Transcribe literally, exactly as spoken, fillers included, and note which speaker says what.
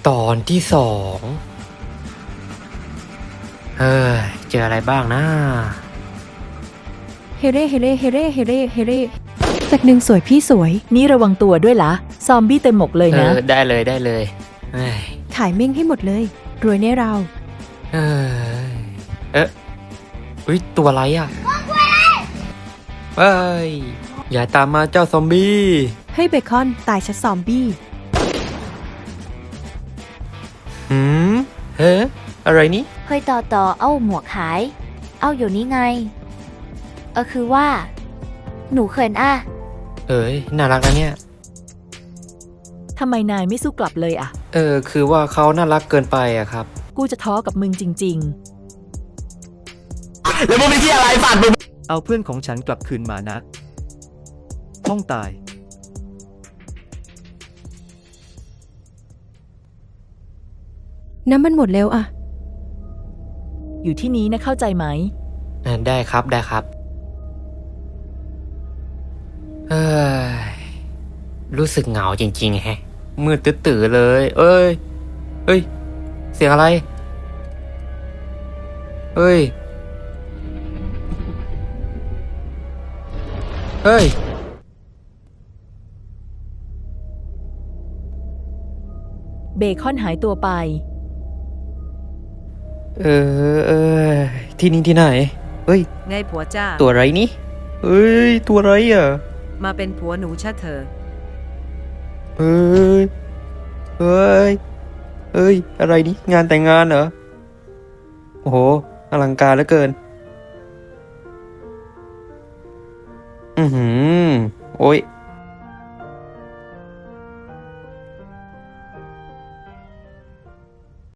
Speaker 1: ตอนที่สองเฮ้ยเจออะไรบ้างนะ
Speaker 2: เฮเร่เฮเร่เฮเร่เฮเร่เฮเร่จากหนึ่งสวยพี่สวย
Speaker 3: นี่ระวังตัวด้วยละซอมบี้เต็มหมกเลย
Speaker 1: เอ
Speaker 3: นะ
Speaker 1: อได้เลยได้เลยเฮ้ย
Speaker 2: ขายเม่งให้หมดเลย รวยแน่เรา
Speaker 1: เอ้ยเอ๊ะอุ้ยตัวอะไรอ่ะเฮ้ยอย่าตามมาเจ้าซอมบี้
Speaker 2: เฮ้ยเบคอนตายชัดซอมบี้
Speaker 1: หืมเฮ้อะไรนี่
Speaker 4: เฮ้ยต่อต่อเอาหมวกขาย เอาอยู่นี่ไง เออคือว่า หนูเขินอ่ะ
Speaker 1: เอ้ยน่ารักนะเนี่ย
Speaker 3: ทำไมนายไม่สู้กลับเลยอะ
Speaker 1: เออคือว่าเขาน่ารักเกินไปอะครับ
Speaker 3: กูจะท้อกับมึงจริง
Speaker 5: แล้วมึงเป็นที่อะไรฝาดมึง
Speaker 6: เอาเพื่อนของฉันกลับคืนมานะต้องตาย
Speaker 2: น้ำมันหมดแล้วอะ
Speaker 3: ๆ อยู่ที่นี้นะเข้าใจไหม
Speaker 1: เออได้ครับได้ครับเฮ้ยรู้สึกเหงาจริงๆแฮะมืดตื้อๆเลย เอ้ยเอ้ย เสียงอะไร เฮ้ย เฮ้ย
Speaker 3: เบคอนหายตัวไป
Speaker 1: เออเออที่นี่ที่ไหน เฮ้ย
Speaker 7: ไงผัวจ้า
Speaker 1: ตัวอะไรนี่เฮ้ย ตัวอะไรอ่ะ
Speaker 7: มาเป็นผัวหนูชะเธอ
Speaker 1: เฮ้ย เฮ้ย เฮ้ย อะไรนี่ งานแต่งงานเหรอ โอ้โห อลังการเหลือเกิน อือหือ โอ้ย